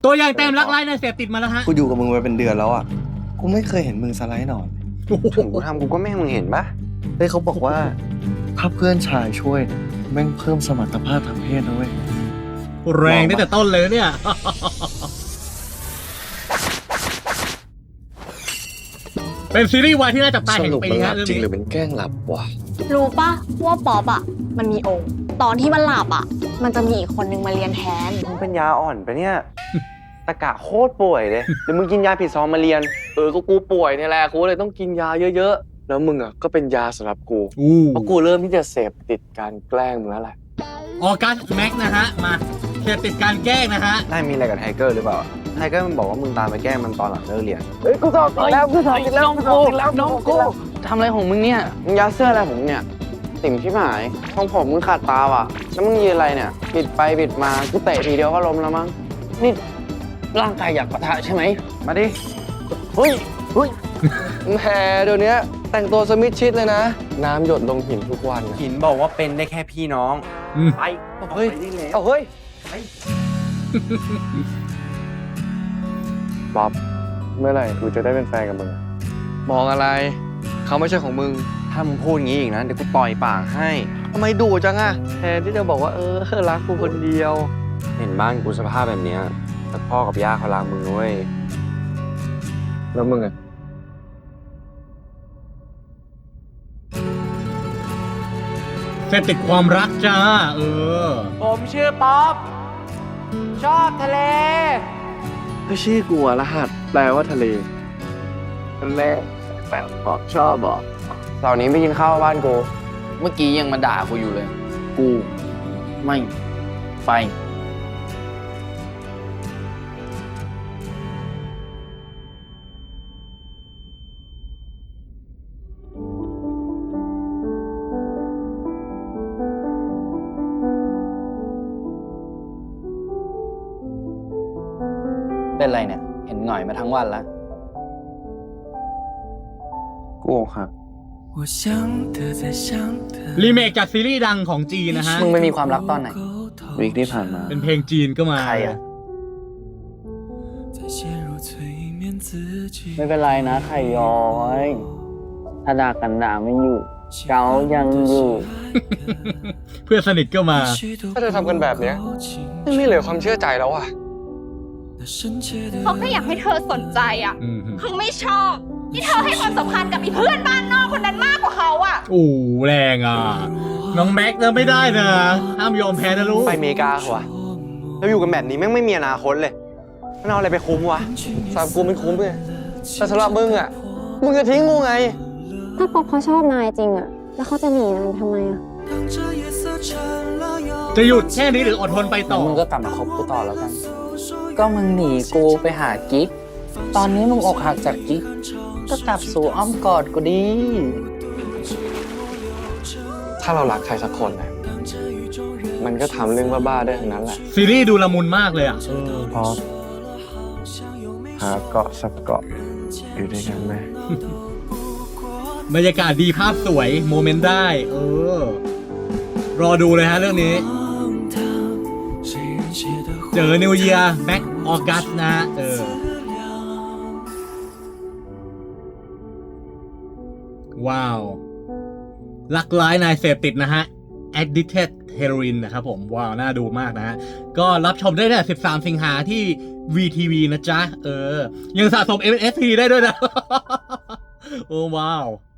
ตัวอย่างเต็มรักไร้ในเสพติดมาแล้วฮะกูอยู่กับมึงมาเป็นเดือนแล้วอ่ะกูไม่เคยเห็นมึงสไลด์หนอนถึงกูทำกูก็ไม่ให้มึงเห็นปะเฮ้ยเขาบอกว่าถ้าเพื่อนชายช่วยแม่งเพิ่มสมรรถภาพทางเพศนะเว้ยแรงตั้งแต่ต้นเลยเนี่ย เป็นซีรีส์วายที่น่าจับตาแห่งปีฮะเรื่องจริงนี้หรือเป็นแกล้งหลับวะรู้ปะว่าป๊อปอะมันมีองค์ ตอนที่มันหลับอะมันจะมีอีกคนนึงมาเรียนแทนมึงเป็นยาอ่อนปะเนี่ย ตะกะโคตรป่วยเลยเดี๋ยวมึงกินยาผิดซองมาเรียน ก็กูป่วยเนี่ยแหละกูเลยต้องกินยาเยอะๆ แล้วมึงอ่ะก็เป็นยาสำหรับกูอู้เพราะกูเริ่มที่จะเสพติดการแกล้งมึงแล้วแหละออกัสแม็กนะฮะ มาเสพติดการแกล้งนะฮะนายมีอะไรกับไทเกอร์หรือเปล่า ไทเกอร์มันบอกว่ามึงตามไปแกล้งมันตอนหลังเลิกเรียน เฮ้ยกูสอบติดแล้วกูสอบติดแล้วกูสอบติดแล้วน้องกูทำอะไรของมึงเนี่ย มึงยัดเสื้ออะไรของมึงเนี่ย ติ่มชิบหายทองผมมึงขาดตาว่ะ แล้วมึงยืนอะไรเนี่ย บิดไปบิดมา กูเตะทีเดียวก็ล้มแล้วมั้ง นี่ร่างกายอยากปะทะใช่ไหม มาดิ เฮ้ย แหมเดี๋ยวนี้แต่งตัวสมิธชิดเลยนะ น้ำหยดลงหินทุกวันหินบอกว่าเป็นได้แค่พี่น้องอืมไปเฮ้ยเอาเฮ้ยบ๊อบเมื่อไหร่กูจะได้เป็นแฟนกับมึง มองอะไร เขาไม่ใช่ของมึง ถ้ามึงพูดงี้อีกนะเดี๋ยวกูต่อยปากให้ทำไมดุจังอะแทนที่จะบอกว่ารักกูคนเดียว เห็นบ้านกูสภาพแบบเนี้ยแต่พ่อกับย่าเขารักมึงด้วยแล้วมึงอะเสพติดความรักจ้าผมชื่อป๊อปชอบทะเลก็ชื่อกูอะรหัสแปลว่าทะเลทะเลแปลว่าชอบบอกเสาร์นี้ไปกินข้าวบ้านกูเมื่อกี้ยังมาด่ากูอยู่เลย กูไม่ไป เป็นไรเนี่ย เห็นหน่อยมาทั้งวันแล้วกูครับรีเมคจากซีรีส์ดังของจีนนะฮะมึงไปมีความรักตอนไหนวีคที่ผ่านมาเป็นเพลงจีนก็มาใครอะไม่เป็นไรนะไข่ย้อยถ้าด่ากันด่าไม่อยู่ เกายังอยู่เพื่อนสนิทก็มาถ้าเธอทำกันแบบเนี้ยไม่เหลือความเชื่อใจแล้วอ่ะเขาแค่อยากให้เธอสนใจอะอืมเขาไม่ชอบที่เธอให้ความสำคัญกับอีเพื่อนบ้านนอกคนนั้นมากกว่าเขาอะโอ้แรงอ่ะ น้องแม็กนะไม่ได้นะ ห้ามยอมแพ้นะลูกไปอเมริกาเหรอวะเราอยู่กันแบบนี้แม่งไม่มีอนาคตเลยมันเอาอะไรไปคุ้มวะสำหรับกูมันคุ้มเลยแต่สำหรับมึงอ่ะ มึงจะทิ้งกูไงถ้าป๊อปเขาชอบนายจริงอะแล้วเขาจะหนีนายทำไมอะจะหยุดแค่นี้หรืออดทนไปต่อมึงก็กลับมาคบกูต่อแล้วกัน ก็มึงหนีกูไปหากิ๊ก ตอนนี้มึงอกหักจากกิ๊ก ก็กลับสู่อ้อมกอดกูดีถ้าเรารักใครสักคนนะมันก็ทำเรื่องบ้าๆได้ทั้งนั้นแหละซีรีส์ดูละมุนมากเลยอ่ะพอหาเกาะสักเกาะอยู่ด้วยกันไหมบรรยากาศดีภาพสวยโมเมนต์ได้ รอดูเลยฮะเรื่องนี้ เจอนิวเยียร์แบ็คออกัสนะฮะว้าว ลักร้ายนายเสพติดนะฮะ Addicted Heroin นะครับผม ว้าว น่าดูมากนะฮะ ก็รับชมได้เนี่ย13 สิงหาที่ VTV นะจ๊ะ ยังสะสม MST ได้ด้วยนะ โอ้ว้าว